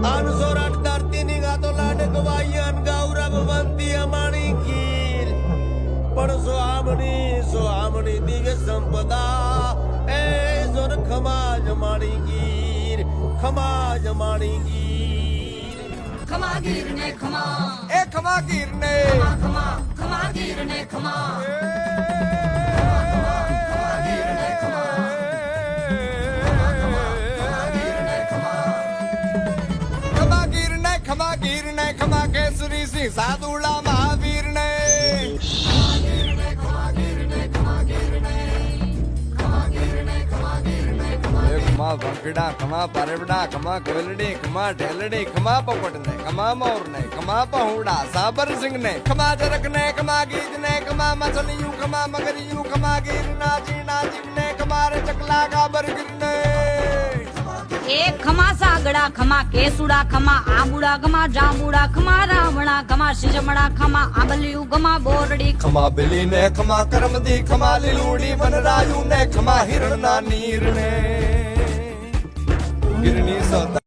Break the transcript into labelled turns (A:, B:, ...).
A: अनसोराट धरती निघातो लाड गवाई अनगावरा भगवंती अमाणी गीर पण सोहामणी दिव्य संपदा ए जोर खमाज माणी गीर
B: खमा गिर ने खमा
A: ए खमा गीर ने
B: खमा गिर ने खमा
A: खमा केसरी सिंह साधुड़ा महावीर ने खमा भंगड़ा खमा परवड़ा खमा कोलड़ी खमा ढेलड़ी खमा पपट ने खमा मोर ने खमा पहुड़ा साबर सिंह ने खमा जरक ने खमा गीत ने खमा मछलियों खमा मगरियों खमा गिर नाजी ने खमारे चकला गाबर गिर ने
B: एक खमा सागड़ा खमा केसुड़ा खमा आबुड़ा खमा जांबुड़ा खमा रावणा खमा शिजमड़ा खमा आबलियू खमा बोरड़ी
A: खमा बिली ने खमा करमदी खमा लिलूड़ी वनरायु ने खमा हिरण ना नीर ने गिरनी सौदा